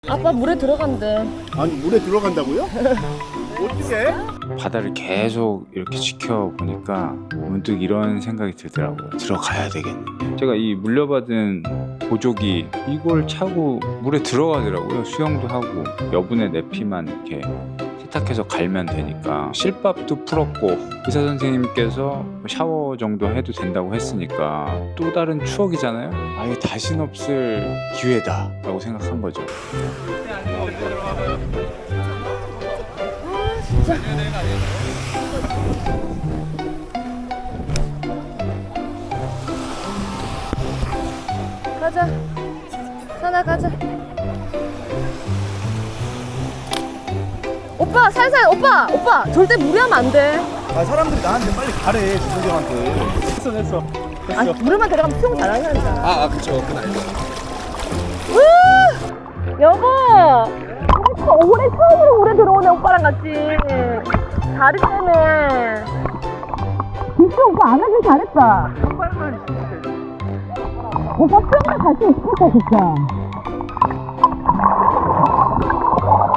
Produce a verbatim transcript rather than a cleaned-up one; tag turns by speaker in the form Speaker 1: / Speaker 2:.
Speaker 1: 아빠 물에 들어간대.
Speaker 2: 아니 물에 들어간다고요? 어떻게?
Speaker 3: 바다를 계속 이렇게 지켜보니까 문득 이런 생각이 들더라고요. 들어가야 되겠는데. 제가 이 물려받은 보조기 이걸 차고 물에 들어가더라고요. 수영도 하고 여분의 내피만 이렇게 세탁해서 갈면 되니까 실밥도 풀었고 의사 선생님께서 샤워 정도 해도 된다고 했으니까 또 다른 추억이잖아요. 아예 다신 없을 기회다 라고 생각한 거죠.
Speaker 1: 가자. 산아 가자. 오빠 살살 오빠 오빠 절대 무리하면 안 돼.
Speaker 2: 아 사람들이 나한테 빨리 가래 주선생한테. 됐어 됐어 됐어.
Speaker 1: 아니 물에만 들어가면 수영 잘하는 사람이잖아.
Speaker 2: 아, 아 그쵸 그건 알죠.
Speaker 1: 우! 여보. 올해 처음으로 물에 들어오네 오빠랑 같이. 다리 때문에. 진짜 오빠 안 하길 잘했다. 오빠 수영장 갈수 있겠다 진짜.